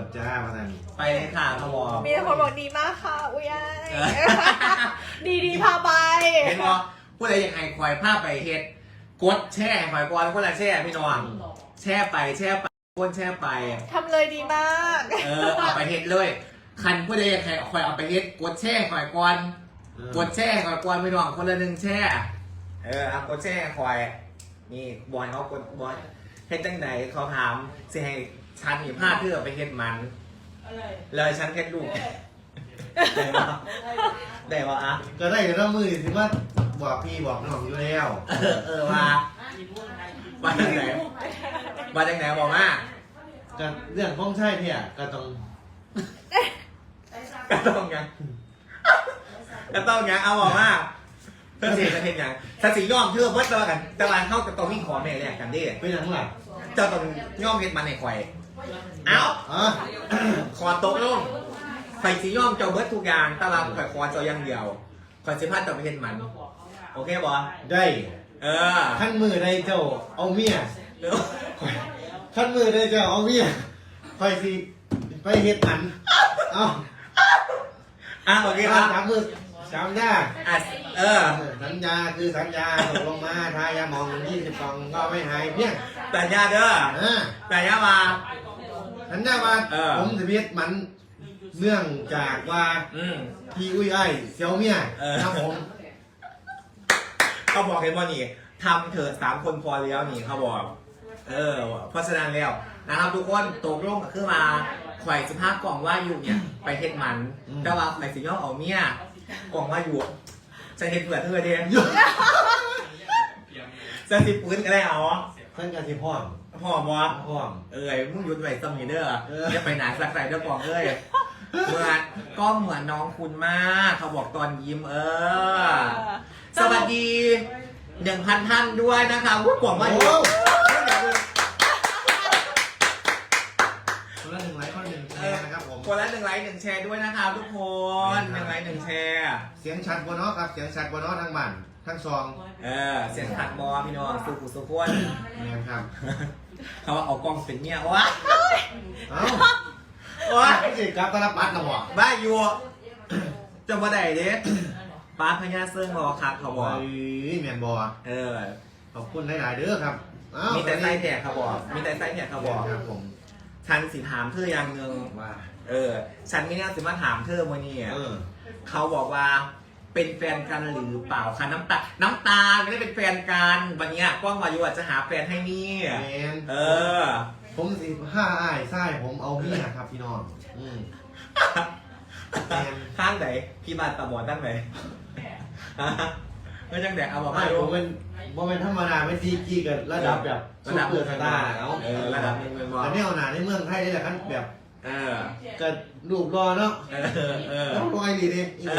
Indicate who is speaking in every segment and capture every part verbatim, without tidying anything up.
Speaker 1: จ้ามาทัน
Speaker 2: ไปเลยค่ะเขาบอก
Speaker 3: มีแต่คนบอกดีมากค่ะอุ้ยอ้ายดีดีพาไป
Speaker 2: เห็นบ่ผู้ใดอยากให้คอยภาพไปเฮ็ดกดแช่คอยก่อนคนละแช่พี่น้องแช่ไปแช่ไปคนแช่ไป
Speaker 3: ทำเลยดีมาก
Speaker 2: เออเอาไปเฮ็ดเลยคันผู้ใดอยากให้คอยเอาไปเฮ็ดกดแช่คอยก่อนกดแช่คอยก่อนพี่น้องคนละหนึ่งแช่เออเอากดแช่คอยนี่บอยเขากดบอยเฮ็ดจังไหนเขาถามสิให้ฉันมีผ้าเพื่อไปเฮ็ดมันเลยฉันเฮ็ดลูกได้ปะได้ปะอ่ะ
Speaker 1: ก็ได้แต่ละมือสิว่าบอกพี่บอกน้องอยู่แล้ว
Speaker 2: เออเออมามาจังไหนมาจังไหนบอกมา
Speaker 1: ก็เรื่องของใช่เนี่ยก็ต้อง
Speaker 2: ก็ต้องยังก็ต้องยังเอาบอกมาเพื่อเสียจะเห็นยังถ้าสีย่อมเชื่อเพิ่มตัวกันแต่วันเข้ากับตัววิ่งขอแม่แรกกันดิ
Speaker 1: เป็นอย่างไร
Speaker 2: เจ้าต้องย่อมเห็นมันในควายเอา
Speaker 1: อ๋อ
Speaker 2: ขอโต๊ะลงไฟสีย่อมเจ้าเบิร์ดทุกอย่างตารางข่อยคอเจ้าอย่างเดียวคอยสิพัดต่อไปเห็นมันโอเคบอ
Speaker 1: ได้
Speaker 2: เออ
Speaker 1: ขั้นมือได้เจ้าเอาเมีย
Speaker 2: เดี๋ยว
Speaker 1: ขั้นมือได้เจ้าเอาเมียคอยสิไปเฮ็ดอันเอา
Speaker 2: อ่ะโอเคค
Speaker 1: สา
Speaker 2: รับ
Speaker 1: มมือสามยา
Speaker 2: อ่ะเออ
Speaker 1: สัญญาคือสัญญาตกลงมาทายาหมองยี่สิบสองก็ไม่หายเพียง
Speaker 2: แต่ญาเด้อ
Speaker 1: อ่า
Speaker 2: แต่ญามา
Speaker 1: สัญญาว่า
Speaker 2: เออ
Speaker 1: ผมจะเฮ็ดมันเนื่องจากว่า
Speaker 2: อืม
Speaker 1: พี่อุ้ยไอ้เซียวเมีย
Speaker 2: เออ
Speaker 1: ครับผม
Speaker 2: เขาบอกเห็นว่านี่ทำเถอะสามคนพอแล้วนี่เขาบอก เออ เพราะฉะนั้นแล้วนะครับทุกคนตกลงกับขึ้นมาข่อยสิบห้ากล่องว่าอยู่เนี่ยไปเฮ็ดมันแต่ว่าข่อยสิย่อเอาเมียกล่องว่าอยู่จะเฮ็ดเผื่อเธอเดียจะสิปืนก็ได้เอา
Speaker 1: ท่านกะสิพ่อม
Speaker 2: พอบ่
Speaker 1: พ่อม
Speaker 2: เอ้ยมึงหยุดไว้ซ้ำนี่เด้อ
Speaker 1: เออ
Speaker 2: อย่าไปหนาสักใส่เด้อกล่องเอ้ยเหมือนก็เหมือนน้องคุณมากเขาบอกตอนยิ้มเออ สวัสดีหนึ่งพันท่านด้วยนะคะวุ้กล่องมาอยู่
Speaker 1: คนละหนึ่งไลค์คนละหนึ่งแชร์นะครับผม
Speaker 2: คนละหนึ่งไลค์หนึ่งแชร์ด้วยนะครับทุกคนหนึ่งไลค์หนึ่งแชร์
Speaker 1: เสียงชัดบนเนาะครับเสียงชัดบนเนาะทั้งบ้านทั้งซอง
Speaker 2: เออเสียงขัดมอพี่น้องสุขุสุขวน
Speaker 1: นี่ครับ
Speaker 2: เขาว่าเอากล้องเป็นเนี่ยวะ
Speaker 1: เอ้า
Speaker 2: วะ
Speaker 1: ไอ้สิกับตลปัดนะบ่
Speaker 2: บ้าอยู่จะมาได้เด้ป้าพญาเซิงรอครับเขาบอก
Speaker 1: เอ้ยแมนบอ
Speaker 2: เออ
Speaker 1: ขอบคุณหลายๆเด้อครับเอ้า
Speaker 2: มีแต่ไส้แถกเขาบอก มีแต่ไส้แถกเขาบอก
Speaker 1: ครับผม
Speaker 2: ฉันสิถามเธออย่างหนึ่ง
Speaker 1: ว่า
Speaker 2: เออ ฉันไม่น่าสิมาถามเธอวันนี้
Speaker 1: เออ
Speaker 2: เขาบอกว่าเป็นแฟนกันหรือเปล่าคะน้ำตา น้ำตาไม่ได้เป็นแฟนกันวันเนี้ยกล้องวายุอาจจะหาแฟนให้นี่
Speaker 1: แมน
Speaker 2: เออ
Speaker 1: ผมสิห้าอ้ายไส้ผมเอาเมียครับพี่น้องอืมแมน
Speaker 2: ข้างไหนพี่บาดตาบอดด้านไหนไม่จังแดกเอาบอก
Speaker 1: ไม่
Speaker 2: มาดู
Speaker 1: ผมเป็นผมเป็นธรรมดาไม่ซีจีกันระดับแบบ
Speaker 2: ระดับ
Speaker 1: ซุปเปอร์สตาร์เนาะ
Speaker 2: เออระดับหนึ่งเป็นบอล
Speaker 1: แต่ไม่เอาหนาในเมืองไทยนี่แหละครับแบบ
Speaker 2: เออ
Speaker 1: ก็รูปรอเนาะ
Speaker 2: เออ เออ
Speaker 1: ต้องรอยดีดิอี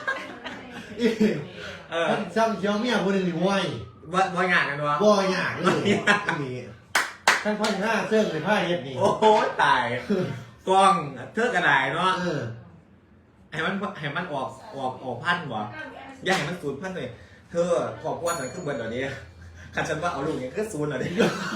Speaker 2: เออ
Speaker 1: ท่านซ้ำเชียวเมียคนหนึ่งนี่ว้ย
Speaker 2: ว่าว่างานกันวะ
Speaker 1: บ่อยากเลยนี่ท่านพ่อหน้าเสื้อในผ้าเฮ็ดนี่
Speaker 2: โอ้โหตายกล้องเทือกกระดาษเนาะ
Speaker 1: เออ
Speaker 2: ให้มันให้มันออกออกออกพันวะอย่าให้มันศูนย์พันเลยเธอขอบคุณหน่อยขึ้นเบอร์เดี๋ยวนี้ขันฉันว่าเอาลูกอย่างขึ้นศูนย์หน่อยดิ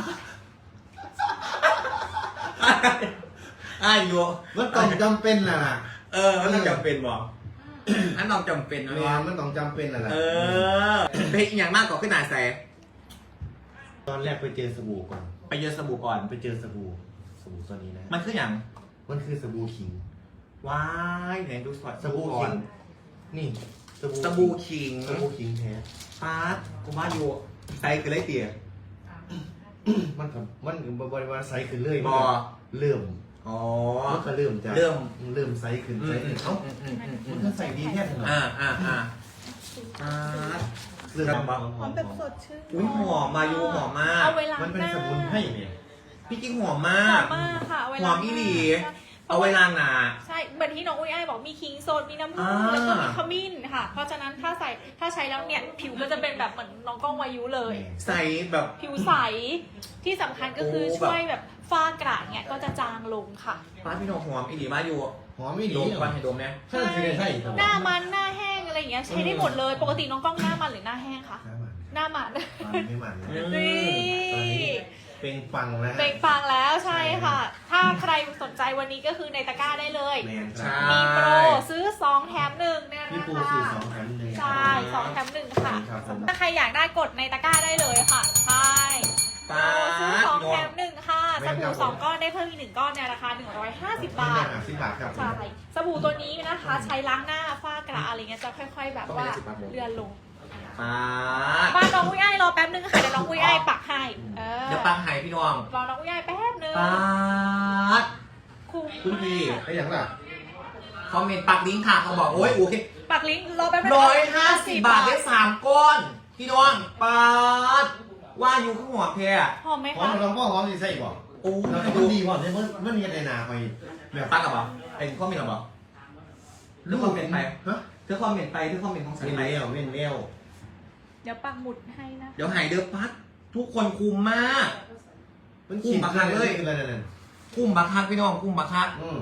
Speaker 2: อ้ายอยู่
Speaker 1: มันต้องจำเป็นน่ะนะ
Speaker 2: เออมันต้องจำเป็นบอกอันต้องจำเป็นนะ
Speaker 1: เว
Speaker 2: เนี่ย
Speaker 1: ลามันต้องจำเป็นน่ะนะ
Speaker 2: เออเป็นอีกอย่างมากกว่าขึ้นหนาแส
Speaker 1: ตอนแรกไปเจอสบู่ก่อน
Speaker 2: ไปเยอะสบู่ก่อน
Speaker 1: ไปเจอสบู่สบู่ตัวนี้นะ
Speaker 2: มันคืออย่าง
Speaker 1: มันคือสบู่ขิง
Speaker 2: ว้ายไหนดูสอด
Speaker 1: สบู่
Speaker 2: ก่อ
Speaker 1: ขิ
Speaker 2: น
Speaker 1: งนี่สบู่
Speaker 2: สบู่ขิง
Speaker 1: สบู่ขิงแท้
Speaker 2: ปาร์ตกูมาอยู่ใส่คือไรเตี๋ย
Speaker 1: มันกับมันกับบริวารไซส์ขึ้นเลย
Speaker 2: บอ
Speaker 1: เริ่ม
Speaker 2: อ๋อ
Speaker 1: มันก็เริ่มจะ
Speaker 2: เริ่ม
Speaker 1: เริ่มไซส์ขึ้น
Speaker 2: อื
Speaker 1: ไซ
Speaker 2: ม
Speaker 1: ส์
Speaker 2: อื
Speaker 1: ขึ้
Speaker 2: ม
Speaker 1: นเอ้า
Speaker 2: อืมอืมอืมอื
Speaker 1: มัน
Speaker 2: ม
Speaker 1: ก็ใส่ดีแค่ไหน
Speaker 2: อ่าอ่าอ่าปาร์ต
Speaker 1: เริ่ม
Speaker 2: ครับ
Speaker 3: หอมแบบสดชื่น
Speaker 2: อุ้ยหอมมาอยู่หอมมาก
Speaker 3: เอาเวลา
Speaker 1: มันเป็นสมุนไพรเนี่ย
Speaker 2: พี่กิ๊กหอม
Speaker 3: ห
Speaker 2: มา
Speaker 3: อก มมากค่ะเอาเว
Speaker 2: ห
Speaker 3: ลา
Speaker 2: อมอีหลี เอาไว้ล้างหนา
Speaker 3: ใช่เหมือนที่น้องอุ้ยอ้ายบอกมีคิงโซนมีน้ำผึ้ง
Speaker 2: อ่า
Speaker 3: แล้วก็มีขมิ้นค่ะ เพราะฉะนั้นถ้าใส่ถ้าใช้แล้วเนี่ยผิวก็จะเป็นแบบเหมือนน้องกล้องวายุเลย
Speaker 2: ใส่แบบ
Speaker 3: ผิวใสที่สำคัญก็คือ
Speaker 2: โอ้แบบ
Speaker 3: ช่วยแบบฝ้ากระเนี่ยก็จะจางลงค่ะ
Speaker 2: ปาร์ตพี่หนองหอมอีหลีมาอยู่
Speaker 1: หอมไม่ดี
Speaker 2: ดมก่อนให้ดมเนี่ย
Speaker 1: ใช่ใช่ใช่
Speaker 3: หน้ามันหน้าแห้งอะไรอย่างเงี้ยใช้ได้หมดเลย ปกติน้องกล้องหน้ามันหรือหน้าแห้งคะ
Speaker 1: น้ำมัน
Speaker 3: หน้ามัน
Speaker 1: มันไม่มันนะ
Speaker 2: อืม
Speaker 3: นี่
Speaker 1: ตอนนี้เป็นฟังนะฮะ
Speaker 3: เบ่งฟังแล้วใช่ค่ะ ถ้าถ้าใครสนใจวันนี้ก็คือในตะกร้าได้เลย
Speaker 1: แมนค
Speaker 2: ใช่
Speaker 1: รับ
Speaker 3: มีโปรซื้อสองแถมหนึ่งเนี่ย
Speaker 1: พี่
Speaker 3: นะ
Speaker 1: ปู
Speaker 3: คะ
Speaker 1: สื่อสองแถมหนึ่ง
Speaker 3: ใช่สองแถมหนึ่งค่ะ
Speaker 1: ครับผม
Speaker 3: ถ้าใครอยากได้กดในตะกร้าได้เลยค่ะใช่
Speaker 2: ปา
Speaker 3: ซื้อ
Speaker 2: ด
Speaker 3: สอง
Speaker 2: พี่น้อ
Speaker 3: แถ
Speaker 2: ง
Speaker 3: มหนึ่งค่ะสบู่สองก้อนได้เพิ่มอีกหนึ่งก้อนในราคาหนึ่งร้อยห้าสิบบาท
Speaker 1: สิบบาทครับ
Speaker 3: ใช่สบู่ตัวนี้นะคะใช้ล้างหน้าฝ้ากระอะไรเงี้ยจะค่อยๆ แบบว่าเลือนลง
Speaker 2: ปาด
Speaker 3: บ้านน้องอุ้ยไอ้รอแป๊บนึงค่ะเดี๋ยวน้องอุ้ยไอ้ปักให้เออ
Speaker 2: เดี๋ยวปังไห้พี่น้อง
Speaker 3: รอน้องอุ้ยไอ้แป๊บนึง
Speaker 2: ปาด
Speaker 3: คุ้ม
Speaker 2: คุณพี่
Speaker 1: ไอ้อย่างล่ะ
Speaker 2: คอมเมนต์ปักลิงก์ค่ะเขาบอกโอ้ยโอเค
Speaker 3: ปักลิงก์รอแป๊บนึง
Speaker 2: ร้อยห้าสิบบาทได้สามก้อน พี่น้องปาดว่าอยู่ข้างหัวแพร
Speaker 3: หอมไหม
Speaker 1: หอม
Speaker 3: คะ
Speaker 1: ลองพ่อหอมดีใส่บ่
Speaker 2: โอ้
Speaker 1: แล้ว
Speaker 2: ย
Speaker 1: ก็
Speaker 2: ดู
Speaker 1: ดีหอมเนี่ยมันมันมีในนาไปแบบ
Speaker 2: ปักกับเปล่าไอ้ข้อมเมนต์กับเปล่าเรื่องคอมเมนต์ไป
Speaker 1: ฮะ
Speaker 2: เรื่องคอมเมนต์ไปเรื่องคอมเมนต์ของสาย
Speaker 1: เว้น
Speaker 2: ไป
Speaker 1: เลี้ยวเว้นเลี้ยว
Speaker 3: เดี๋ยวปักหมุดให้นะ
Speaker 2: เดี๋ยวหายเด้อปัดทุกคนคุมมาก
Speaker 1: มันขีดมาเลยอะไรนั่น
Speaker 2: คุมบักคักพี่น้องคุมบักคัก
Speaker 1: อืม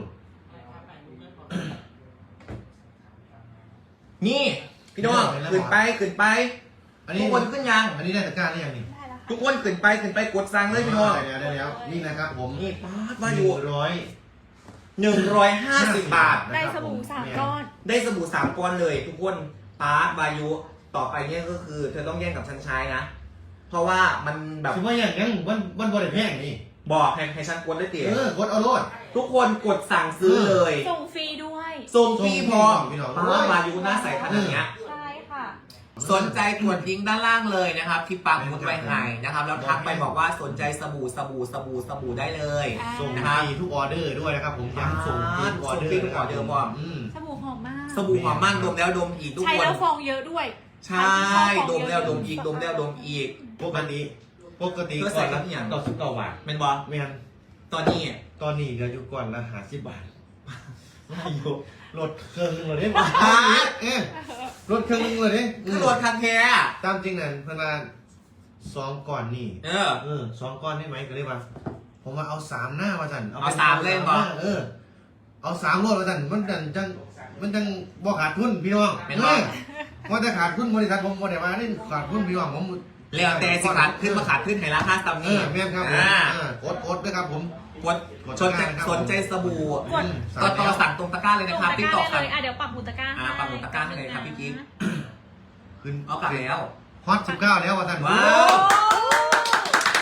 Speaker 2: นี่พี่น้องขึ้นไปขึ้นไป
Speaker 1: อันนี้
Speaker 2: ทุกคนขึ้นยัง
Speaker 1: อันนี้ได้ตะกร้าหรือยังนี่
Speaker 3: ได้แล้วค่ะ
Speaker 2: ทุกคนขึ้นไปขึ้นไปกดสั่งเลยพี่น้อง
Speaker 1: ได้แล้วได้แล้วนี่นะครับผม
Speaker 2: นี่ป้าดว่าอยู่
Speaker 1: ร้อย
Speaker 2: หนึ่งร้อยห้าสิบบาท
Speaker 3: ได้สบู่สามก้อน
Speaker 2: ได้สบู่สามก้อนเลย ทุกคนป้าดวายุต่อไปเนี่ยก็คือ เธอต้องแย่งกับฉันใช้นะ เพราะว่ามันแบบ
Speaker 1: ถือว่าอย่างยังมันมันบริแพงนี่
Speaker 2: บอกให้ให้ฉันกดได้เตี๋ย
Speaker 1: เออกดเอาโลด
Speaker 2: ทุกคนกดสั่งซื้อเลย
Speaker 3: ส่งฟรีด้วย
Speaker 2: ส่งฟรีพร้อม
Speaker 1: พี่น้อง
Speaker 2: ป้าดวายุหน้าใสขนาดเนี้ย
Speaker 3: ใช่ค่ะ
Speaker 2: สนใจกดลิงก์ด้านล่างเลยนะครับ ที่ปักหมุดไว้ให้นะครับแล้วทักไปบอกว่าสนใจสบู่สบู่สบู่สบู่ได้เลย
Speaker 3: อ่า
Speaker 1: ส่งฟรีทุกออเดอร์ด้วยนะครับผมย้ำส่งฟรีทุกออเดอร์
Speaker 2: ส่งฟรีทุกออเดอร์พร้อม
Speaker 1: อืม
Speaker 3: สบู่หอมมาก
Speaker 2: สบู่หอมมากดมแล้วดมอีกทุก
Speaker 3: ใช้
Speaker 2: คน
Speaker 3: แล้วฟองเยอะด้วย
Speaker 2: ใช่ดมแล้วดมอีกดมแล้วดมอีก
Speaker 1: ปกติปกติ
Speaker 2: เพื่อใส่กับอย่าง
Speaker 1: ต่อสิบเก้าบาท
Speaker 2: เป็นบอ
Speaker 1: เมียน
Speaker 2: ตอนนี้
Speaker 1: ตอนนี้เหลืออยู่ก่อนละห้าสิบบาทไม่อยู่ลดเครื่องนึงเลยได้เอ๊ะลดเครื่องนึงเลยดิ
Speaker 2: คือรถคันแท้
Speaker 1: ตามจริงนั่นเพื่อนว่าสองก่อนนี่
Speaker 2: เออ
Speaker 1: เออสองก้อนได้ไหมก็เลยว่าผมว่าเอาสามหน้ามาสั่น
Speaker 2: เอาสามเล่มเหรอ
Speaker 1: เออ เอาสามรถมาสั่นมันจังจังมันจังบ่ขาดทุนพี่น้อง
Speaker 2: เป็น
Speaker 1: เอ
Speaker 2: บ่
Speaker 1: อว่าจะขาดทุนบริษัทผมบ่ได้ว่านี่ขาดทุนพี่น้องผม
Speaker 2: แล้วแต่สิขาดขึ้นมาขาดขึ้นให้ราคาต่ำ
Speaker 1: เอ
Speaker 2: นี่
Speaker 1: อแม่นครับผม
Speaker 2: อ่า
Speaker 1: เออกดกดด้วยครับผม
Speaker 2: กดสนใจสนใจสบู่
Speaker 3: กด
Speaker 2: ก็ต่อสั่งตรงตะกร้าเลย
Speaker 3: ส่
Speaker 2: นะ
Speaker 3: ง
Speaker 2: ครับ
Speaker 3: ตะ
Speaker 2: ติ๊ก
Speaker 3: ก
Speaker 2: ต็
Speaker 3: ร้า
Speaker 2: อก
Speaker 3: ได้
Speaker 2: ครับ
Speaker 3: เลยอ่ะเดี๋ยวปักหมุดตะกร้า
Speaker 2: อ่าปักหมุดตะกร้าให้เลยครับพี่กิ๊ก
Speaker 1: ขึ้น
Speaker 2: เอากลับแล้ว
Speaker 1: ฮอตสิบเก้าแล้วว่าสั่น
Speaker 2: ว้า
Speaker 3: โอ้
Speaker 2: ว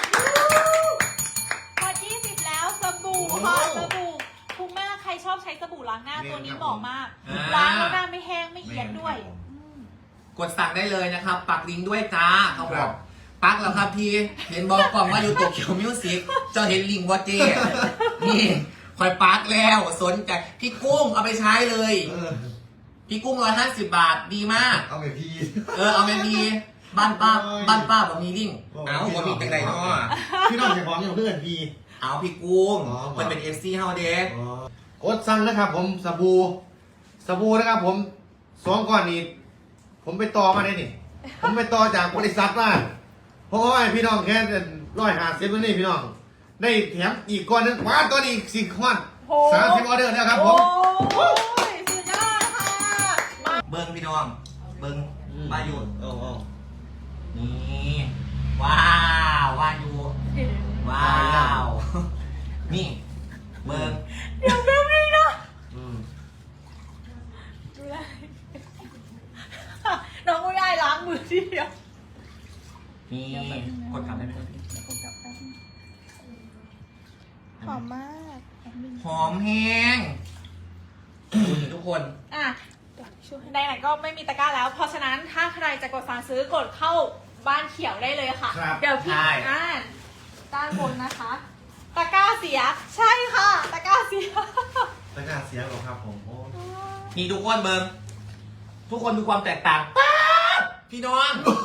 Speaker 3: พอยี่สิบแล้วสบู่ค่ะสบู่คุ้มมากใครชอบใช้สบู่ล้างหน้าตัวนี้เหมาะมาก
Speaker 2: อ่า
Speaker 3: ล้างแล้วหน้าไม่แห้งไม่เหียนด้วยอืม
Speaker 2: กดสั่งได้เลยนะครับ ปักลิงก์ด้วยจ้าเขาบอกปักแล้วครับพี่ เห็นบอกกล่องว่าอยู่โตเกียวมิวสิกเจ้าเห็นลิงก์ว่าเจนี่คอยปักแล้วสนใจพี่กุ้งเอาไปใช้เลย
Speaker 1: เออ
Speaker 2: พี่กุ้งร้อยห้าสิบบาทดีมาก
Speaker 1: เอาไปพี่
Speaker 2: เออเอาไปมีบ้านป้า
Speaker 1: โอ้ย
Speaker 2: บ้านป้าบอกมีลิงก์
Speaker 1: โอ้ย
Speaker 2: เอาบ่มีจังไรเนาะ
Speaker 1: พี่น้องจะของอย่างเพื่อนพี่
Speaker 2: เอาพี่กุ้ง
Speaker 1: อ๋อ
Speaker 2: มันเป็นเอฟซีเฮาเด้
Speaker 1: กดสั่งนะครับผมสบู่สบู่นะครับผมสองก้อนนี้ผมไปต่อมาได้นี่ ผมไปต่อจากบริษัทมาเพราะว่าพี่น้องแค่ร้อยห้าสิบวันนี้พี่น้อง ได้แถมอีกก้อนนึงว้าตัวนี้อีกสี่ก้อน
Speaker 3: โอ้
Speaker 1: สามสิบออเดอร์แล้วครับผม
Speaker 3: โอ้ยสุดยอดค่ะมา
Speaker 2: เบิ้งพี่น้อง เบิ้งมาอยู่
Speaker 1: โอ้โห
Speaker 2: นี่ว้าวว่าอยู่ว้าว นี่ เบิ้ง
Speaker 3: เดี๋ยวแป๊บนึงนะ
Speaker 1: อืม
Speaker 3: ดูแลน้องอุ้ยอ้ายล้างมือทีเดียว
Speaker 2: นี่กดกลับได้ไหมครับพี่
Speaker 3: หอมมาก
Speaker 2: หอมแห้งดูนี่ทุกคน
Speaker 3: อ่ะในไหนๆก็ไม่มีตะกร้าแล้ว เพราะฉะนั้นถ้าใครจะกดสั่งซื้อกดเข้าบ้านเขียวได้เลยค่ะ
Speaker 1: ครับ
Speaker 3: เดี๋ยวพี่
Speaker 2: ใช่
Speaker 3: อ่านด้านบนนะคะ ตะกร้าเสีย ใช่ค่ะ ตะกร้าเสีย
Speaker 1: ตะกร้าเสียหรอครับผมโอ้
Speaker 2: นี่ทุกคนเบิ้งทุกคนดูความแตกต่างป๊าบพี่น้อง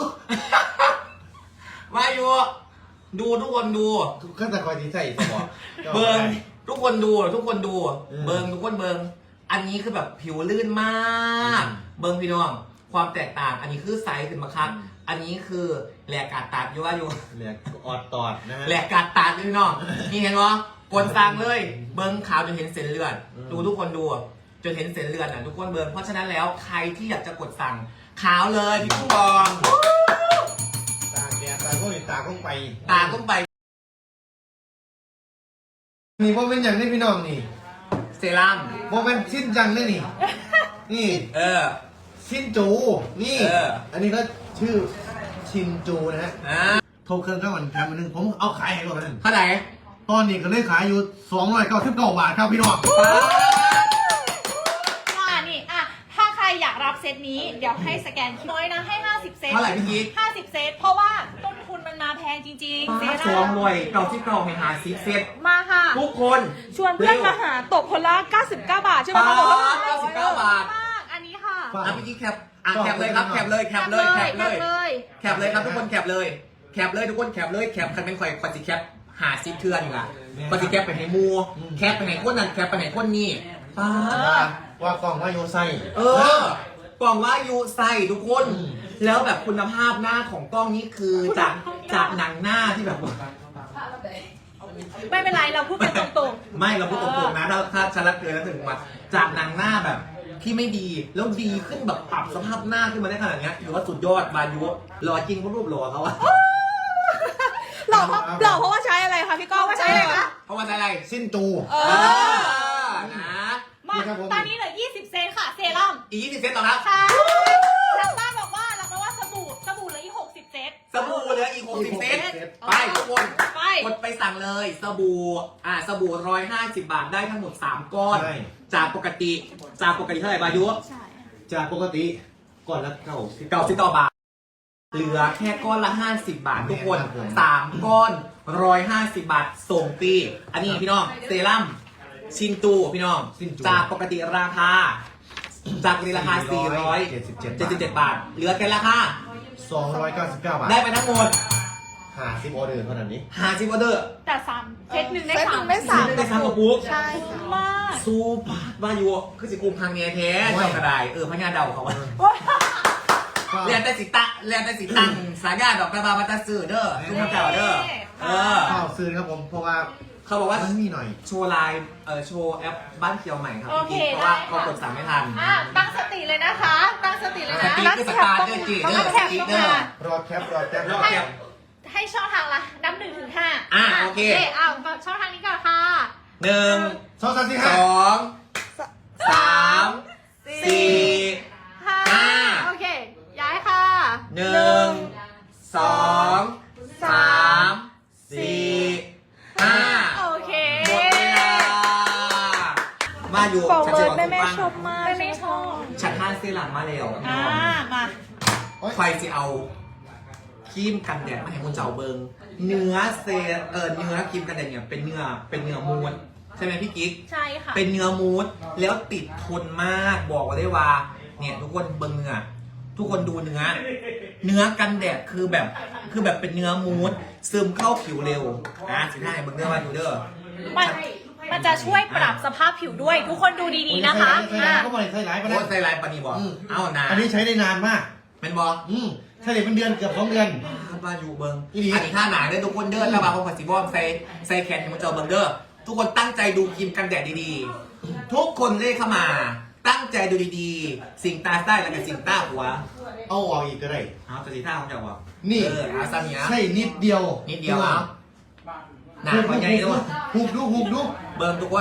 Speaker 2: ว่าอยู่ดูทุกคนดู
Speaker 1: ทุกขั้นตอนคอยดีใจสมอง
Speaker 2: เบิงทุกคนดูทุกคนดู
Speaker 1: เออ
Speaker 2: เบิงทุกคนเบิงอันนี้คือแบบผิวลื่นมาก
Speaker 1: อืม
Speaker 2: เบิงพี่น้องความแตกต่าง อันนี้คือไซส์ขึ้นมาครับ อันนี้คือแหลกกาดตัดอยู่ว่าอยู่
Speaker 1: เหลือออดตอดนะฮะ
Speaker 2: แหลกกาดตัดพี่น้องนี่เห็นวะกดสั่งเลย เบิงขาวจนเห็นเส้นเลือด
Speaker 1: อืม
Speaker 2: ดูทุกคนดูจนเห็นเส้นเลือดอ่ะทุกคนเบิงเพราะฉะนั้นแล้วใครที่อยากจะกดสั่งขาวเลยพี่กุ้งบอง
Speaker 1: ตาแดดตาพวกนี้ตาต้องไป
Speaker 2: ตาต้องไป
Speaker 1: นี่ว่าเป็นอย่างนี้พี่น้องนี่
Speaker 2: เซรั่ม
Speaker 1: ว่าเป็นชิ้นจังเลยนี่ นี่
Speaker 2: เออ
Speaker 1: ชินจู นี่
Speaker 2: เออ
Speaker 1: อันนี้ก็ชื่อชินจูนะฮะ
Speaker 2: อ่า
Speaker 1: โทรเครื่องเข้าวันแคมป์นึงผมเอาขายให้ก่อนนึง
Speaker 2: เท่าไหร่
Speaker 1: ตอนนี้ก็เลยขายอยู่สองร้อยเก้าสิบเก้าบาทครับพี่น้อง
Speaker 3: ว่านี่อ่ะถ้าใครอยากรับเซตนี้เดี๋ยวให้สแกนน้อยนะให้ห้าสิบเซต
Speaker 2: เท่าไหร่พี่กิ๊ก
Speaker 3: ห้าสิบเซตเพราะว่าต้นทุนมันมาแพงจริงๆเซ
Speaker 2: ป้า
Speaker 3: ต
Speaker 2: สองรวยเก่าที่เก่าให้หาซิเซ็ต
Speaker 3: มาค่ะ
Speaker 2: ทุกคน
Speaker 3: ชวนเพื่อนมาหาตกคนละเก้าสิบเก้าบาทใช่ไหม
Speaker 2: ป้า
Speaker 3: คะบอกว่า
Speaker 2: เก้าสิบเก้าบาท
Speaker 3: มากอันนี้ค่ะ
Speaker 2: อ่ะพี่กิ๊กแคปอ่ะแคปเลยครับแคปเลยแคปเลยแคปเลย
Speaker 3: เลย
Speaker 2: แคปเลยครับทุกคนแคปเลย แคปเลยทุกคนแคปเลยแคปคันเป็นข่อยคอนสิแคปหาซิปเทือนอยู่อ่ะคอนสิแคปไปให้มูแคปไปให้คนนั้นแคปไปให้คนนี้ป้า
Speaker 1: ว่ากล่องว่าโยไซ
Speaker 2: เออกล่องว่ายูใส่ทุกคน
Speaker 1: อืม
Speaker 2: แล้วแบบคุณภาพหน้าของกล้องนี้คือจากจากหนังหน้าที่แบบว่า
Speaker 3: ไม่เป็นไรเราพูดกันตรง
Speaker 2: ไม่เราพูดตรงๆนะถ้าถ้าฉันรักเกินแล้วถึงมาจากหนังหน้าแบบที่ไม่ดีแล้วดีขึ้นแบบปรับสภาพหน้าขึ้นมาได้ขนาดเนี้ยถือว่าสุดยอดบายุหล่อจริงเพราะรูปหล่อเขาอะ
Speaker 3: ๆหล่อเพราะหล่อเพราะว่าใช้อะไรคะพี่ก้องว่าใช้อะไรคะ
Speaker 2: เพราะว่าอะไร
Speaker 1: ชินจู
Speaker 3: เอ
Speaker 2: เอ
Speaker 3: อ
Speaker 2: อนะ
Speaker 3: มา
Speaker 1: นี่ครับผม
Speaker 3: ตอนนี้เหลือยี่สิบเซตค่ะเซรั่ม
Speaker 2: อีกยี่สิบเซตต่อครับ
Speaker 3: ค่ะทางบ้านบอกว่าเราบอกว่าสบู่สบู่เหลืออีกหกสิบเซต
Speaker 2: สบู่เหลืออีกหกสิบเซตไปทุกคน
Speaker 3: ไป
Speaker 2: กดไปสั่งเลยสบู่อ่าสบู่ร้อยห้าสิบบาทได้ทั้งหมดสามก้อน
Speaker 1: ใช่
Speaker 2: จากปกติจากปกติเท่าไหร่บายุ
Speaker 3: ใช่
Speaker 1: จากปกติก่อนละเก้าสิบ
Speaker 2: เก้าสิบต่อบาท เหลือแค่ก้อนละห้าสิบบาททุกคน
Speaker 1: ครับผม
Speaker 2: สามก้อนร้อยห้าสิบบาทส่งฟรีอันนี้พี่น้องเซรั่มชินตูพี่น้อง
Speaker 1: ชินจู
Speaker 2: จากปกติราคา จากปกติราคาสี่ร้อยเจ็ดสิบเจ็ดบาท เหลือแค่ราคา
Speaker 1: สองร้อยเก้าสิบเก้าบาท
Speaker 2: ได้ไปทั้งหมด
Speaker 1: ห้าสิบออเดอร์เท่านั้นนี้
Speaker 2: ห้าสิบออเดอร์
Speaker 3: แต่สามเซตหนึ่งได้
Speaker 4: เซต
Speaker 3: สา
Speaker 4: หนึ่
Speaker 3: ม
Speaker 4: งได้สาม
Speaker 2: ได้สามกระปุก
Speaker 4: ใช่
Speaker 3: มาก
Speaker 2: ซูปาบายูคือสิกุมพังเนียแท้
Speaker 1: โอ้ย
Speaker 2: เจ้ากระไดเออพญาเดาเขาว่า
Speaker 1: ก็
Speaker 2: เรียนแต่สิตะเรียนแต่สิตังสายาดอกกระบาบัตตาสื่อเด้อทุกคนเก่าเด้อเออ
Speaker 1: ข้าวซื้อครับผมเพราะว่า
Speaker 2: เขาบอกว่า
Speaker 1: มันมีหน่อย
Speaker 2: โชว์ไลน์เออโชว์แอปบ้านเคียวใหม่ครับ
Speaker 3: โอเค
Speaker 2: พี่เพราะว่า
Speaker 3: ได้ค่ะ
Speaker 2: เขากดสั่งไม่ทัน
Speaker 3: อ่ะตั้งสติเลยนะคะ ตั้งสติเลย
Speaker 2: ส
Speaker 3: นะ
Speaker 2: ติ๊กคือสตาร์เดอร์จีเดอร์สติ๊กเดอร์
Speaker 1: รอแคปรอแคป
Speaker 2: รอแคป
Speaker 3: ให้ช่องทางละนับหนึ่งถึงห้า
Speaker 2: อ่ะโอเค
Speaker 3: อ้าวช่องทางนี้ก่อนค่ะ
Speaker 2: หนึ่ง
Speaker 1: สองสามสี่
Speaker 2: ส
Speaker 1: ห้า
Speaker 2: องสามสี่
Speaker 3: ห้า
Speaker 2: ห้า
Speaker 3: โอเค ย้ายค่ะ
Speaker 2: หนึ่งสองสามสี่ห้า
Speaker 3: โอเค
Speaker 2: หมดเวลามาอยู่
Speaker 4: บอก
Speaker 2: ฉัน
Speaker 4: เล
Speaker 2: จะ
Speaker 4: ย
Speaker 2: บอก
Speaker 4: แม่
Speaker 2: ทุก
Speaker 4: แม่
Speaker 2: วัน
Speaker 4: ชอบมาก
Speaker 3: ไม่ไม่ชอบ
Speaker 2: ฉันท่านซีหลังมาแล้ว
Speaker 3: อ่ามา
Speaker 2: ใครจะเอาครีมกันแดดมาให้คุณเจ้าเบิงเนื้อเซเออเนื้อครีมกันแดดเนี่ยเป็นเนื้อเป็นเนื้อมูนใช่ไหมพี่กิ๊ก
Speaker 3: ใช่ค่ะ
Speaker 2: เป็นเนื้อมูสแล้วติดทนมากบอกไว้ได้ว่า เนี่ยทุกคนเบิ่งเนื้อทุกคนดูเนื้อ เนื้อกันแดดคือแบบคือแบบเป็นเนื้อมูสซึมเข้าผิวเร็วนะสิท่าให้เบิ่งเนื้อมาดูเด้อ
Speaker 3: มันมันจะช่วยปรับสภาพผิวด้วย ทุกคนดูดีๆนะคะ
Speaker 1: ใส่ร้ายก็บ่ได้ใส่ร้ายไป
Speaker 2: โอ้
Speaker 1: แล้ว
Speaker 2: ใส่ลายปานีบอก
Speaker 1: อืม
Speaker 2: เอานา
Speaker 1: อันนี้ใช้ได้นานมาก
Speaker 2: เป็นบอก
Speaker 1: อืมใช้ได้เป็นเดือนเกือบสองเดือน
Speaker 2: มาอยู่เบิ่ง
Speaker 1: อีหลี
Speaker 2: อันนี้ท่าหนาเด้อทุกคนเด้อแล้วมาพอขอสีบอมใส่ใส่แขนให้มันเจอเบิ่งเด้อทุกคนตั้งใจดูครีมกันแดดดีๆ ทุกคนเลขเข้ามา ตั้งใจดูดีๆ สิ่งตาใต้แล้วก็สิ่งตาหัว
Speaker 1: เอาออกอีกก็ได้
Speaker 2: เอาตัวสีท่าของเจ้าบอก
Speaker 1: นี่
Speaker 2: เอออาซาเนีย
Speaker 1: ใช่นิดเดียว
Speaker 2: นิดเดียวเอาหนา
Speaker 1: หุบ
Speaker 2: กว่าใหญ่ด้วย
Speaker 1: หุบดูหุบดู
Speaker 2: เบิ่งทุกคน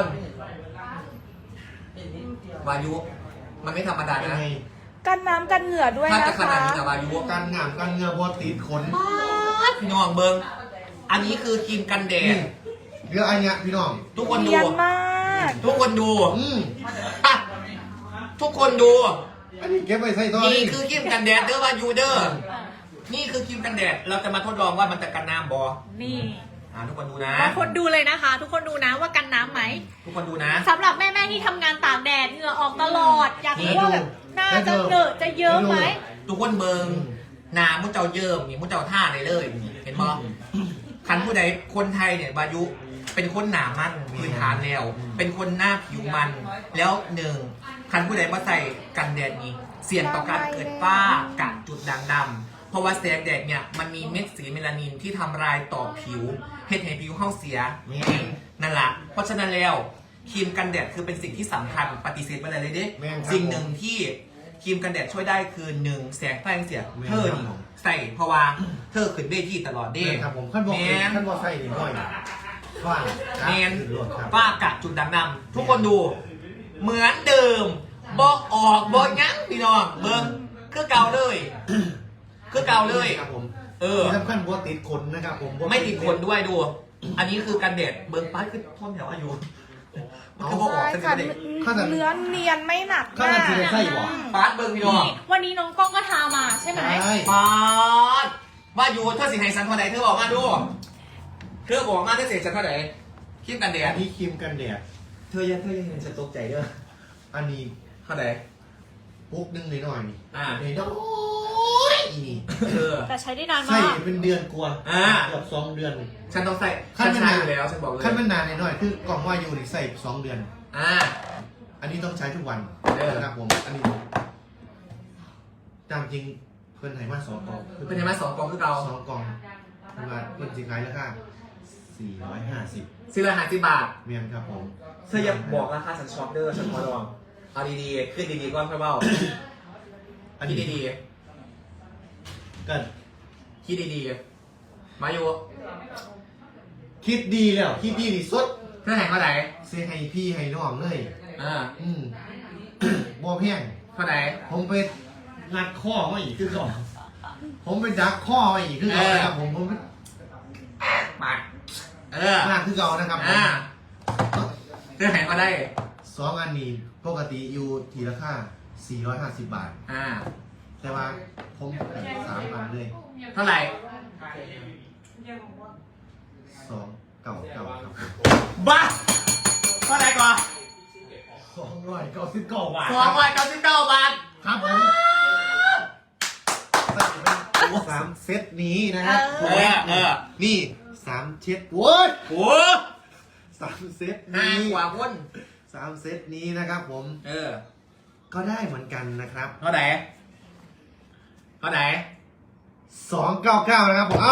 Speaker 2: วายุ มันไม่ธรรมดา
Speaker 1: เป็น
Speaker 2: นะ
Speaker 1: ไง
Speaker 4: กันน้ำกันเหงื่อด้วย
Speaker 2: ถ้า
Speaker 4: นะ
Speaker 2: จะข
Speaker 4: คะ
Speaker 2: นาดนี้แต่วายุ
Speaker 1: การงามการเงือบอติดขน
Speaker 2: พี่น้องเบิ่งอันนี้คือครีมกันแด
Speaker 1: นี่
Speaker 2: ด
Speaker 1: เหลืออันเนี้ยพี่น้อง
Speaker 2: ทุกคนดู
Speaker 4: เนียนมาก
Speaker 2: ทุกคนดู
Speaker 1: อืม
Speaker 2: อ่ะทุกคนดู
Speaker 1: อันนี้เก็บไว้ใส่ตัว
Speaker 2: นี่คือครีมกันแดดเด้อวายูเด้อนี่คือครีมกันแดด เราจะมาทดลองว่ามันจะกันน้ำบอ
Speaker 3: นี่
Speaker 2: อ่าทุกคนดูนะ
Speaker 3: ทุกคนดูเลยนะคะ ทุกคนดูนะว่ากันน้ำไหม
Speaker 2: ทุกคนดูนะ
Speaker 3: สำหรับแม่ๆที่ทำงานตากแดดเหงื่อออกตลอด อยากรู้ว่าแบบหน้าจะเหนอะจะเยิ้มไหม
Speaker 2: ทุกคนเบิงหนามุ้เจ้าเยิ้มนี่มุ้เจ้าท่าเลยเลย เห็นบอคันผู้ใดคนไทยเนี่ยบายุเป็นคนหนามันพื้นฐานแล้ว เป็นคนหน้าผิวมัน แล้วหนึ่งคันผู้ใดมาใส่กันแดดนี้ เสี่ยงต่อการเกิดฝ้ากระจุดด่างดำเพราะว่าแสงแดดเนี่ยมันมีเม็ดสีเมลานินที่ทำลายต่อผิวเฮ็ดให้ผิวเข้าเสียนั่นแหละเพราะฉะนั้นแล้วครีมกันแดดคือเป็นสิ่งที่สำคัญปฏิเสธไปเลยเลยเด้
Speaker 1: แม่นครับ
Speaker 2: สิ่งหนึ่งที่ครีมกันแดดช่วยได้คือหนึ่งแสงไฟเสีย
Speaker 1: แม่น
Speaker 2: เธอนี่
Speaker 1: ครับ
Speaker 2: ใส่เพราะว่าเธอขึ้นเวทีตลอดเด้
Speaker 1: นี่ครับผมขั้นบอก
Speaker 2: แม่น
Speaker 1: ขั้นบอกใส่นิดหน่อยฝ้า
Speaker 2: เมน
Speaker 1: รวดครับ
Speaker 2: ฝ้ากะจุดด่างดำทุกคนดู เหมือนเดิมบอกออกบอกงั้งพี่น้องเบิ้งคือเก่าเลยคือเก่าเลย
Speaker 1: ครับผม
Speaker 2: เออ
Speaker 1: ที่สำคัญบัวติดขนนะครับผมบ่
Speaker 2: ไม่ติดคนด้วยดู อันนี้คือกันแดดเบิ้งป้ายคือท่อนแถวอายุมันคือบอกออก
Speaker 4: ใช่
Speaker 2: เส้น
Speaker 4: ค่ะ
Speaker 2: เด็ก
Speaker 4: เนื้อเนียนไม่หนัก
Speaker 1: ข้าง
Speaker 4: มา
Speaker 1: ใน
Speaker 4: ก
Speaker 1: สีไส้บ่
Speaker 2: ป้าดเบิ้งพี่น้อง
Speaker 3: นี่วันนี้น้องกล้องก็ทามาใช่ไหม
Speaker 1: ใช่
Speaker 2: ป้าดว่าอยู่เธอสิให้ฉันเท่าไหร่เธอบอกมาดูเธอบอกมาเธอเสียฉันเท่าไหร่คิดกันแด
Speaker 1: อั
Speaker 2: ด
Speaker 1: นนี้ครีมกันแดด
Speaker 2: เธอยังเธอยังเห็นฉันตกใจเด้อ
Speaker 1: อันนี้
Speaker 2: เท่าไหร่
Speaker 1: ปุ๊กนึงหน่อยๆนี่
Speaker 2: อ่า
Speaker 1: หน่อยๆนี่
Speaker 2: เออ
Speaker 3: แต่ใช้ได้นาน
Speaker 1: ใส่
Speaker 3: มาก
Speaker 1: เป็นเดือนกว่า
Speaker 2: อ่า
Speaker 1: เกือบสองเดือน
Speaker 2: ฉันต้องใส่
Speaker 1: ขั้
Speaker 2: ฉั
Speaker 1: น
Speaker 2: น
Speaker 1: มัน
Speaker 2: ใช้
Speaker 1: นาน
Speaker 2: อยู่แล้วฉันบอกเลย
Speaker 1: ขั้นมันนานหน่อยๆคือกล่องว่าอยู่นี่ใส่สองเดือน
Speaker 2: อ่า
Speaker 1: อันนี้ต้องใช้ทุกวัน
Speaker 2: เออ
Speaker 1: นะครับผมอันนี้ตามจริงเพื่อนไทยมาสองกล่อง
Speaker 2: เป็นยังไงสองกองคือเรา
Speaker 1: สองกล่องประมาณเพื่อนสิขายราคาสี่ร้อยห้าสิบ
Speaker 2: ซื้อละห้าสิบบาท
Speaker 1: เมียนครับผม
Speaker 2: เธออย่าบอกราคาฉันช็อปเด้อฉันขอลองเอาดีๆขึ้นดีๆก่อนค่อยเบ้า
Speaker 1: อัน
Speaker 2: คิด
Speaker 1: นี้
Speaker 2: ดี
Speaker 1: กัน
Speaker 2: ๆคิดดีๆมาอยู่
Speaker 1: คิดดีแล้วคิดดีที่สุด
Speaker 2: เธอแห่งเท่าไหร่
Speaker 1: เซให้พี่ให้น้องเลย
Speaker 2: อ่า
Speaker 1: อืม บ่เพียง
Speaker 2: เท่าไหร่
Speaker 1: ผมไปงัดข้อมาอีกคือก่อนผมไปดักข้อมาอีกคือก่อนนะครับผมผมไป
Speaker 2: มาเออ
Speaker 1: มากคือก่อนนะครับผม
Speaker 2: อ่าเธอแห่งก็ได้
Speaker 1: สองอันนี้ปกติอยู่ทีราคาสี่ร้อยห้าสิบบาท
Speaker 2: อ่า
Speaker 1: แต่ว่าผมให้สามอันเลย
Speaker 2: เท่าไหร่
Speaker 1: สองเก่าเก่าครับผม
Speaker 2: บ้าเท่าไหร่ก่อน
Speaker 1: สองร้อยเก้าสิบเก้าบาท
Speaker 2: สองร้อยเก้าสิบเก้าบาท
Speaker 1: ครับผมใส่เป็นสามเซตนี้นะครับ
Speaker 2: เออเออ
Speaker 1: นี่สามเช็ดโว้ย
Speaker 2: โอ้
Speaker 1: สามเซต
Speaker 2: ห้า
Speaker 1: นี้
Speaker 2: กว่าคน
Speaker 1: สามเซตนี้นะครับผม
Speaker 2: เออ
Speaker 1: ก็ได้เหมือนกันนะครับ
Speaker 2: เท่าไหร่เท่าไหร่
Speaker 1: สองเก้าเก้านะครับผมเอ้า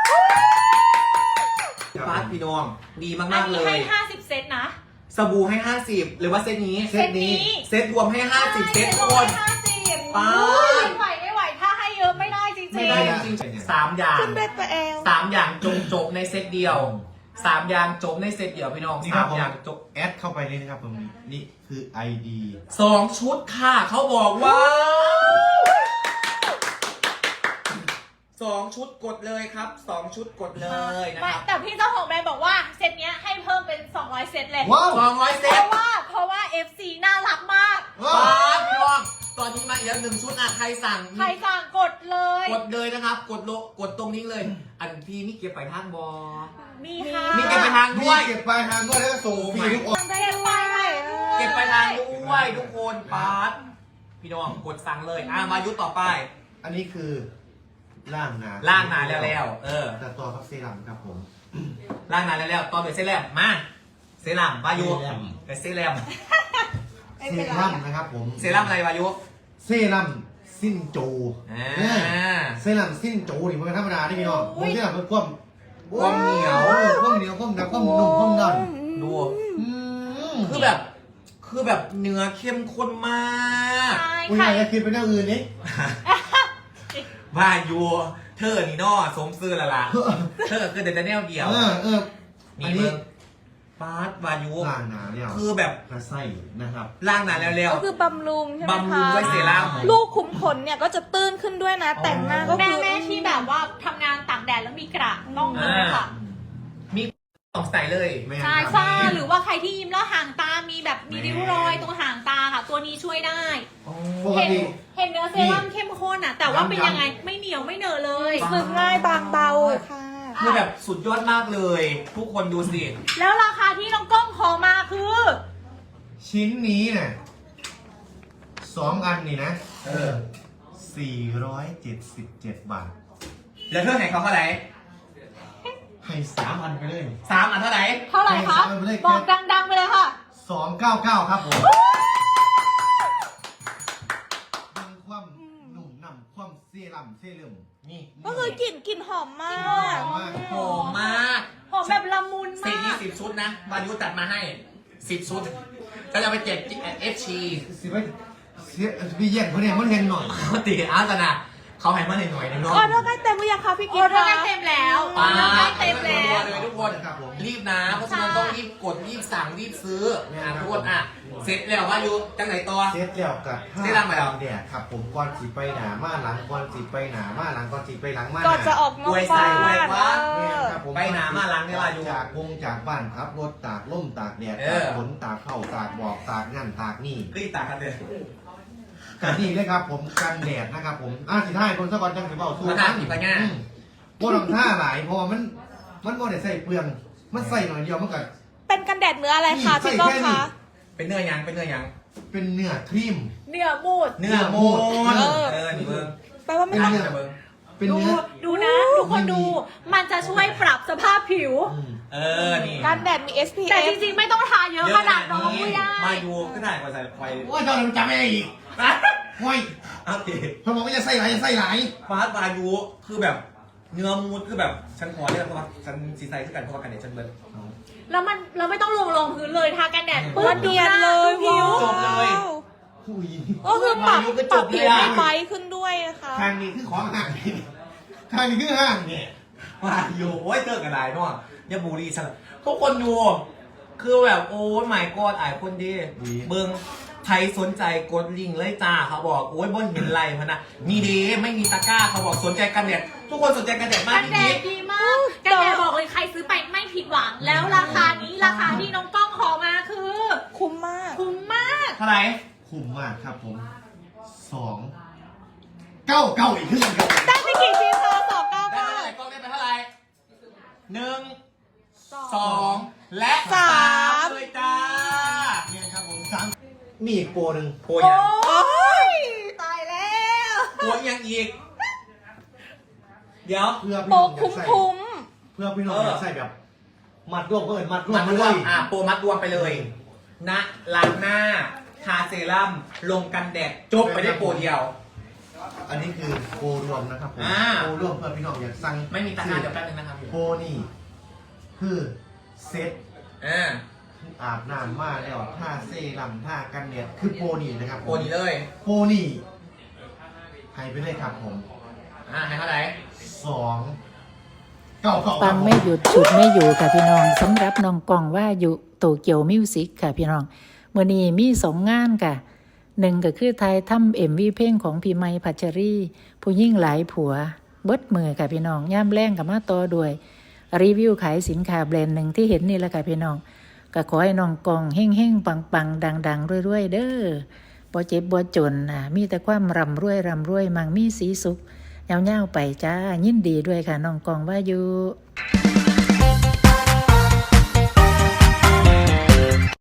Speaker 2: ฟาดพี่น้อง ดี
Speaker 3: อั
Speaker 2: มาน กๆเล
Speaker 3: นี้ให้
Speaker 2: ย
Speaker 3: ห้าสิบเซตนะ
Speaker 2: สบู่ให้ห้าสิบหรือว่าเซตนี้
Speaker 1: เซตนี้
Speaker 2: เซตรวมให้ห้าสิบเซตคน
Speaker 3: ห้าสิบ
Speaker 2: ป๊าด
Speaker 3: ไม่ไหวไม่ไหวถ้าให้เยอะไม่ได้จริงๆ
Speaker 2: ไม่ได้จริงๆสามอย่าง
Speaker 4: ขึ้นด้วยตัวเอง
Speaker 2: สามอย่างจงจบในเซตเดียวสามอย่างจบในเซตเดียวพี่น้อง
Speaker 1: นี่ครั
Speaker 2: สา
Speaker 1: บ
Speaker 2: ม
Speaker 1: ผม
Speaker 2: อย่างจบ
Speaker 1: แอดเข้าไปเลยนะครับผมนี่คือ ไอ ดี
Speaker 2: สองชุดค่ะเขาบอกว่าสองชุดกดเลยครับสองชุดกดเลยนะ
Speaker 3: ไม่
Speaker 2: ครับ
Speaker 3: แต่พี่เจ้าของแบรนด์บอกว่าเซตเนี้ยให้เพิ่มเป็นสองร้อยเซตเลย
Speaker 1: ว้าว
Speaker 2: สองร้อยเซ
Speaker 3: เพ
Speaker 2: ต
Speaker 3: ราะว่าเพราะว่า เอฟ ซี น่ารักมาก
Speaker 1: ว้า
Speaker 2: ป้าว พี่น้องตอนนี้มาอีกแล้วหนึ่งชุดอ่ะใครสั่ง
Speaker 3: ใครสั่งกดเลย
Speaker 2: กดเลยนะครับ กดโลกดตรงนี้เลย อันพี่นี่เก็บไปทางบอ
Speaker 3: มีค่ะ
Speaker 2: มีเก็บไปทาง
Speaker 1: มี
Speaker 2: ด้วย
Speaker 1: เก็บปลายทางด้วยแล้วก็ส่งฟรีทุกคน
Speaker 4: ได้ด้วย
Speaker 2: เก็บไปทางด้วยทุกคนปาร์ตพี่น้องกดสั่งเลยอ่ะมายุทธต่อไป
Speaker 1: อันนี้คือล่างนา
Speaker 2: ล่างนานแล้วแล้วเออ
Speaker 1: แต่ตัวพักเซรั่มครับผม
Speaker 2: ล่างนานแล้วแล้วตอนเป็นเซรั่มมาเซรั่มวายุ
Speaker 1: เซรั่ม
Speaker 2: เป็นเซรั่ม
Speaker 1: เซรั่มนะครับผม
Speaker 2: เซรั่มอะไรวายุ
Speaker 1: เซรั่มสิ้นโจ
Speaker 2: อ่า
Speaker 1: เนี่ยเซรั่มสิ้นโจนี่มันเป็นธรรมดาที่พี่น้องผมเซรั่มเป็นความ
Speaker 2: ความเหนียว
Speaker 1: เออความเหนียวความหนักความนุ่มความดัน
Speaker 2: ดู
Speaker 1: อืม
Speaker 2: คือแบบ คือแบบเนื้อเข้มข้นมาก
Speaker 3: ใช่
Speaker 1: คุณ
Speaker 3: ค่ะ
Speaker 1: ยายจะคิดเป็นอย่างอื่นนี่
Speaker 2: วายุเธอนี่นอสมซื่อละล่ะเธอคือเดนแนลเดียว
Speaker 1: เออเออ
Speaker 2: มี
Speaker 1: อัน
Speaker 2: เบิ
Speaker 1: นี้
Speaker 2: งปาร์ตวายุ
Speaker 1: ล่างนาเนี่ย
Speaker 2: คือแบบ
Speaker 1: กระไส้นะครับ
Speaker 2: ล่างนานแล้วแล้ว
Speaker 4: ก็คือบำรุงใช่ไหม
Speaker 2: บำรุ
Speaker 4: คะ
Speaker 2: งด้วยเซรั่ม
Speaker 4: ลูกขุมขนเนี่ยก็จะตื้นขึ้นด้วยนะ แต่งหน้าก็
Speaker 3: แม่
Speaker 4: คือ
Speaker 3: แม่ที่แบบว่าทำงานตากแดดแล้วมีกระต้องเลยค่ะ
Speaker 2: มีสองสายเลย
Speaker 1: ไม่
Speaker 3: ใช่
Speaker 1: ครับ
Speaker 3: ฝ้าหรือว่าใครที่ยิ้มแล้วห่างตา มีแบบมีริ้วรอยตรงห่างตาค่ะ ตัวนี้ช่วยได้
Speaker 1: ปก
Speaker 3: เห็น
Speaker 1: ติ
Speaker 3: เห็นเนื้อเซรั่มเข้มข้นอ่ะ แต่ว่าเป็นยังไงไม่เหนียวไม่เหนอะเลย
Speaker 4: ซึมง่ายบางเบาค่ะ
Speaker 2: คือแบบสุดยอดมากเลย ทุกคนดูสิ
Speaker 3: แล้วราคาที่น้องกล้องขอมาคือ
Speaker 1: ชิ้นนี้เนี่ยสองอันนี่นะ
Speaker 2: เออ
Speaker 1: สี่ร้อยเจ็ดสิบเจ็ดบาท
Speaker 2: แล้วเธอไหนเขาเท่าไหร่
Speaker 1: ให้สามอันไปเลย
Speaker 2: สามอันเท่าไหร่
Speaker 3: เท่าไหร่คะ
Speaker 1: ให้เลข
Speaker 3: บอกดังๆไปเลยค่ะ
Speaker 1: สองเก้าเก้าครับผมดึงความหนุ่มหนำความเซรั่มเซรั่ม
Speaker 2: นี่
Speaker 4: ก็คือกลิ่นกลิ่นหอมมาก
Speaker 1: หอมมาก
Speaker 2: หอมมาก
Speaker 3: หอมแบบละมุน
Speaker 2: สิบ
Speaker 3: มา
Speaker 2: ยี่
Speaker 3: ก
Speaker 2: สิบชุดนะวายุตัดมาให้สิบชุดก็จะไปเจ็บเอฟชี
Speaker 1: สิไปเสียพี่แย่งเขาเนี่ยมันเห็นหน่อย
Speaker 2: เขาตีอาร์ตนะเขาให้มาหน่อยๆนึงเนาะ
Speaker 4: ออเดอร์ใกล้เต็มหรือยังคะพี่
Speaker 3: อ
Speaker 4: กิ๊
Speaker 3: อ
Speaker 4: ฟ
Speaker 3: เดอร์ใกล้
Speaker 4: คะ
Speaker 3: เต็มแล้วออ
Speaker 2: อ่า
Speaker 3: เดอร์ใกล้เต็มแล้ว
Speaker 2: เลยทุกคน
Speaker 1: ครับผม
Speaker 2: รีบนะเพราะฉะนั้นต้องรีบกดรีบสั่งรีบซื้ออ่ะทุกคนอ่ะเสร็จแล้วว่าอยู่จังไหนต่อ
Speaker 1: เซตแล้วกับ
Speaker 2: เซตแล้วไหมครับ
Speaker 1: แดดครับผมก่อนสิไปหนามาหลังก่อนสิไปหนามาหลังก่อนสิไปหลังมา
Speaker 4: ก่อนจะออกนอกบ้าน
Speaker 2: อวยใส่อวยว่า
Speaker 4: เอ
Speaker 1: เนี่ย
Speaker 4: อ
Speaker 1: ครับผม
Speaker 2: ไปหนามาหลังเนี่ยว่าอยู่
Speaker 1: จากวงจากบ้านครับรถตากล่มตากแดด
Speaker 2: เอ
Speaker 1: ตา
Speaker 2: อ
Speaker 1: กฝนตากเข้าตากบอกตากนั่นตากนี่
Speaker 2: ก็อีกตากันเลย
Speaker 1: กันนี่เลยครับผมกันแดดนะครับผมอ่าสิท่ายคนสะกอนจังสิเบาสู้
Speaker 2: มาทานอีกปะเนี่ย
Speaker 1: อืมบ่ต้องท่าหลายเพราะว่ามันมันบ่ได้ใส่เปลืองมันใส่หน่อยเดียวมันก็
Speaker 4: เป็นกันแดดเนื้ออะไรคะ
Speaker 1: นี่
Speaker 4: พี่ก้อง
Speaker 1: ใส่แค่นี้
Speaker 4: คะ
Speaker 2: เป็นเนื้อยังเป็นเนื้อยัง
Speaker 1: เป็นเนื้อครีม
Speaker 3: เนื้อมูด
Speaker 2: เนื้อมูน
Speaker 4: เออ
Speaker 2: เออนี่เบิ้ง
Speaker 4: แปลว่าไม่ต้อง
Speaker 1: เนื้อ
Speaker 2: เบิ้ง
Speaker 1: เป็น
Speaker 3: ดู
Speaker 1: เนื้อ
Speaker 3: ดูนะ ทุกคนดู มันจะช่วยปรับสภาพผิว
Speaker 1: อืม
Speaker 2: เออนี่
Speaker 4: กันแดดมี เอส พี
Speaker 3: แต่
Speaker 4: เอฟ
Speaker 3: จริงๆไม่ต้องทาเยอะขนาดน้องไม่ได้
Speaker 2: มาดูก็ได้กว่าใส่ไฟ
Speaker 1: โอ้ยตอนนั้นจำไม่ได้อีกโอ้ย
Speaker 2: เอาดิ
Speaker 1: เขาบอกว่าจะใส่หลายจะใส่หลาย
Speaker 2: ฟาสต์มาดูคือแบบเนื้อมูดคือแบบฉันขอเรียกเพราะว่าฉันซีไซส์คือกันเพราะว่ากันเนี่ยฉันเบิ้ง
Speaker 3: แล้วมันเราไม่ต้องลงลงพื้นเลยทากันแดด
Speaker 4: เปื้อนเนียนเลย
Speaker 3: ผิว
Speaker 2: จบเลย
Speaker 1: อุ้ย
Speaker 4: ก็คือปรับ
Speaker 2: มายุก็
Speaker 4: ป
Speaker 2: จ
Speaker 4: รับบ
Speaker 2: เลย
Speaker 4: ผิว
Speaker 2: อะ
Speaker 4: ให้ไบรท์ขึ้นด้วยนะคะ
Speaker 1: ทางนี้คือของห่างนี่ทางนี้คือห่างเนี่ย
Speaker 2: มาอยู่โอ้ยเจอกันหลายเนาะอย่าบูรีฉันทุกคนดู คือแบบโอ้ยหมายกอดอายคนดีเบิ้งใครสนใจกดลิงก์เลยจ้าเขาบอกโอ้ยบนเห็นไรพะนะนี่ดีไม่มีตะกร้าเขาบอกสนใจกันแดดทุกคนสนใจกันแดดมาก
Speaker 3: กัน
Speaker 2: พี่
Speaker 3: แด
Speaker 2: พี
Speaker 3: ดดีมากกันแดดบอกเลยใครซื้อไปไม่ผิดหวัง แล้วราคานี้ราคาที่น้องกล้องขอมาคือ
Speaker 4: คุ้มมาก
Speaker 3: คุ้มมาก
Speaker 2: เท่าไหร่
Speaker 1: คุ้มมากครับผมสองเก้าเก้าอีกครึ่งครับ
Speaker 4: ได้ไปกี่ชิ้นคะสองเก้า
Speaker 2: ได้
Speaker 4: เก้า
Speaker 2: เท่าไหร่กล้องได้ไปเท่าไหร่หนึ่งสองและ
Speaker 4: สาม
Speaker 2: เลยจ้า
Speaker 1: เนี่ยครับผมสามมีอีกโปรหนึ่ง
Speaker 2: โอ้ยยัง
Speaker 4: โอ้ย
Speaker 3: ตายแล้ว
Speaker 2: โอ้ยยังอีก เดี๋ยว
Speaker 1: เพื่อพี่
Speaker 4: โปร
Speaker 1: น้องอยา
Speaker 4: คุ้
Speaker 1: ก
Speaker 4: ม
Speaker 1: ใส่
Speaker 4: คุ้ม
Speaker 1: เพื่อพี่น้องอยากใส่แบบ มัดรวมก็เอินมัดรวม
Speaker 2: มัด
Speaker 1: มาร เล
Speaker 2: วม
Speaker 1: ย
Speaker 2: อ่ะโปรมัดรวมไปเลยนะล้างหน้า ทาเซรั่ม ลงกันแดด จบไปได้โปรเดียว
Speaker 1: อันนี้คือโปรรวมนะครับผม
Speaker 2: อ่า
Speaker 1: โปรรวมเพื่อพี่น้องอยากสั่ง
Speaker 2: ไม่มีตะกร้าเดี๋ยวแป๊บนึงนะครับ
Speaker 1: โปรนี่คือเซ็ต
Speaker 2: อ่า
Speaker 1: อาบน้ำมาแล้วท่าเซรั่มท่ากันแดดคือโปรนี่นะครับผม
Speaker 2: โปรนี้เลย
Speaker 1: โปรนี่ให้ไปเลยครับผม
Speaker 2: อ่าให้เท่าไหร่
Speaker 1: สองเก้าเก้า
Speaker 5: ปังไม่หยุดฉุดไม่อยู่ค่ะพี่น้องสำหรับน้องกองว่าอยู่โตเกียวมิวสิกค่ะพี่น้องเมื่อนี้มีสองงานค่ะหนึ่งก็คือไทยทำเอ็มวีเพลงของพี่ไมค์พัชรีผู้ยิ่งหลายผัวเบิดมือค่ะพี่น้องย่ำแรงกับมาต่อด้วยรีวิวขายสินค้าแบรนด์หนึ่งที่เห็นนี่แหละค่ะพี่น้องก็ขอให้น้องกองเฮ่งเฮ่งปังปังดังดังรวยๆเด้อบ่เจ็บบ่จนอ่ะมีแต่ความร่ำรวยร่ำรวยมั่งมีสีสุขเงาๆไปจ้ายินดีด้วยค่ะน้องกองว่าอยู่